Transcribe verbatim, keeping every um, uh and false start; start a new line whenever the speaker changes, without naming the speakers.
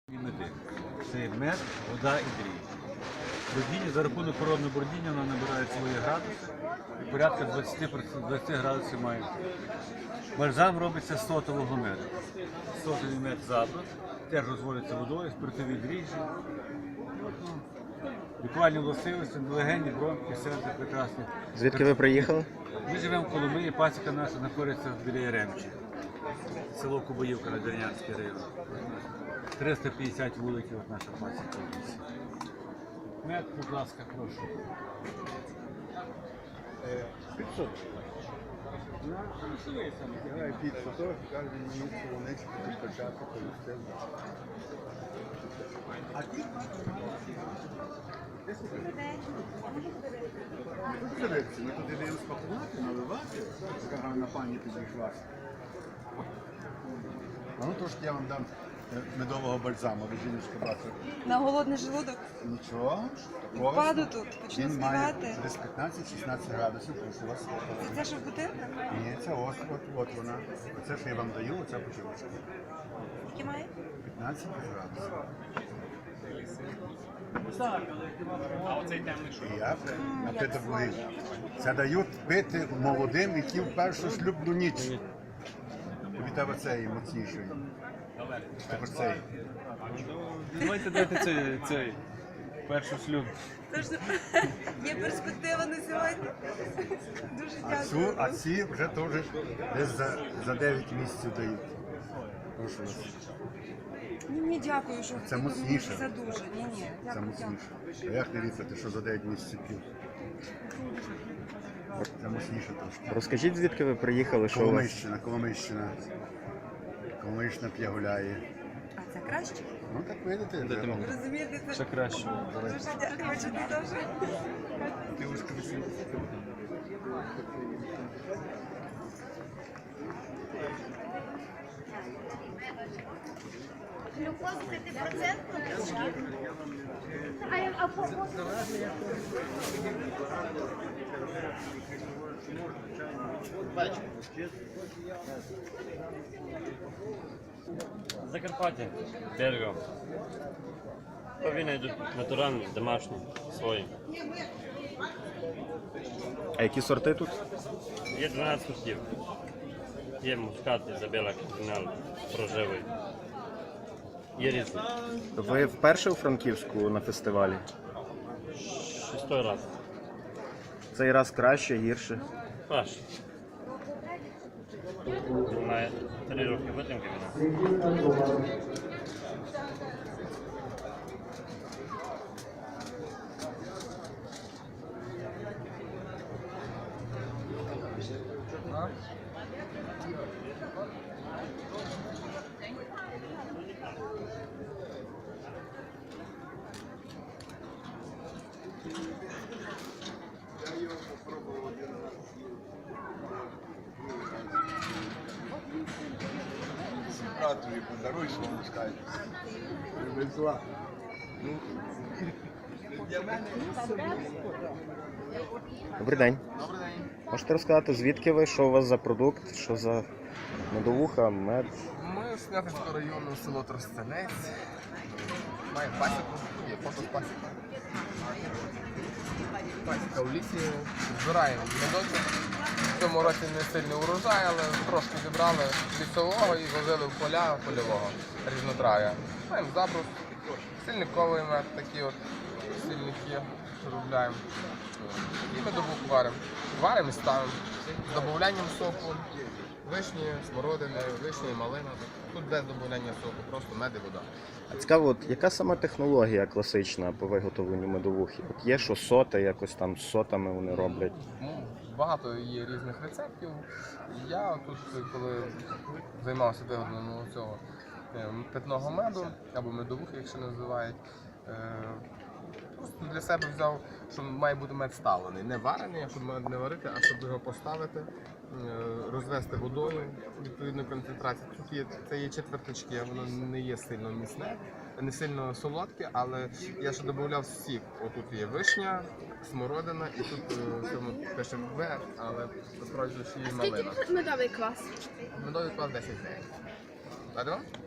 Мети. Це мед, вода і дріжджі. Бродіння, за рахунок природного бродіння вона набирає свої градуси і порядка двадцять градусів має. Бальзам робиться з сотового меду. Сотовий мед заброс, теж розводиться водою, спиртові дріжджі. Лікувальні властивості, легені, бронхи, серце прекрасні.
Звідки ви приїхали?
Ми живемо в Коломиї, пасіка наша знаходиться біля Яремчі. Село Кубаївка, Надвірнянський район. триста п'ятдесят вуликів от наша пасіка. Мед, будь ласка, прошу. п'ятсот.
На ключовий саме тягає під фото, каже мені солонечко підкачати, полюстив. А ті? Дивіться, ми туди даємо спакувати, наливати, така гарна пані підійшла. А ну трошки я вам дам медового бальзаму, ви жіночка бачите.
На голодний желудок?
Нічого.
Впаду тут, почну
Він має
співати.
десь п'ятнадцять-шістнадцять градусів, прошу вас.
Це те, що в бутилках?
Ні, це ось, от, от вона. Оце, що я вам даю, оця бутилочка.
Які має?
п'ятнадцять градусів.
А оцей темний що?
І я напиток води. Це дають пити молодим, які в першу шлюбну ніч. Від тебе цей моцніший. Тепер цей.
Давайте дайте цей, цей перший шлюб.
Тож є перспектива на сьогодні. Дуже
А, цю,
дякую.
а ці вже теж десь за, за дев'ять місяців дають. Прошу вас.
Ні, ні, дякую, що
Це
ви
міцніше.
мені за дуже. Ні, ні,
Це
дякую,
моцніше.
дякую.
А як не віцяти, що за дев'ять місяців п'ють? Це моцніше трошки.
Розкажіть, звідки ви приїхали, що у вас?
Коломийщина, Коломийщина. Коломийщина п'є гуляє.
А це краще?
Ну так видите, вже.
ти мені?
Ви розумієте, це
Ще краще.
дуже дякую, що ти теж.
Півушка вісімдесят.
Глюкоза п'ятипроцентна. А, а по
Закарпаття, Берго. Повинні йдуть натуральні, домашні, свої.
А які сорти тут?
Є дванадцять сортів. Є мускат, Ізабела, кардинал, рожевий. Є різні.
Ви вперше у Франківську на фестивалі?
Шестой раз.
Цей раз краще, гірше?
Паш. Має три роки витримки вона.
Братові подаруй, що вам скажуть. Привезла.
Добрий день.
Добрий день.
Можете розказати, звідки ви, що у вас за продукт, що за медовуха, мед?
Ми з Снятинського району, село Тростянець. Маємо пасіку, є фото з пасіки. Пасіка в лісі. Збираємо медочок. В цьому році не сильний урожай, але трошки зібрали лісового і возили в поля польового різнотрав'я. Маємо забрус, сильниковий мед, такі от сильники виробляємо. І медовух варимо. Варимо і ставимо. З додаванням соку. Вишні, смородини, вишні, малина. Тут без додавання соку, просто мед і вода.
А цікаво, от яка саме технологія класична по виготовленню медовухи? От є, що соти, якось там з сотами вони роблять.
Ну, багато є різних рецептів. Я тут, коли займався виготовленням цього е, питного меду, або медовухи, якщо називають, е, просто для себе взяв, що має бути мед ставлений. Не варений, щоб мед не варити, а щоб його поставити, е, розвести водою відповідної концентрації. Тут є, це є четверточки, воно не є сильно міцне, не сильно солодке, але я ще додавав сік. Отут є вишня, смородина і тут е, цьому пише В, але насправді ще є малина.
Скільки медовий клас?
Медовий клас десять гривень. Ладно?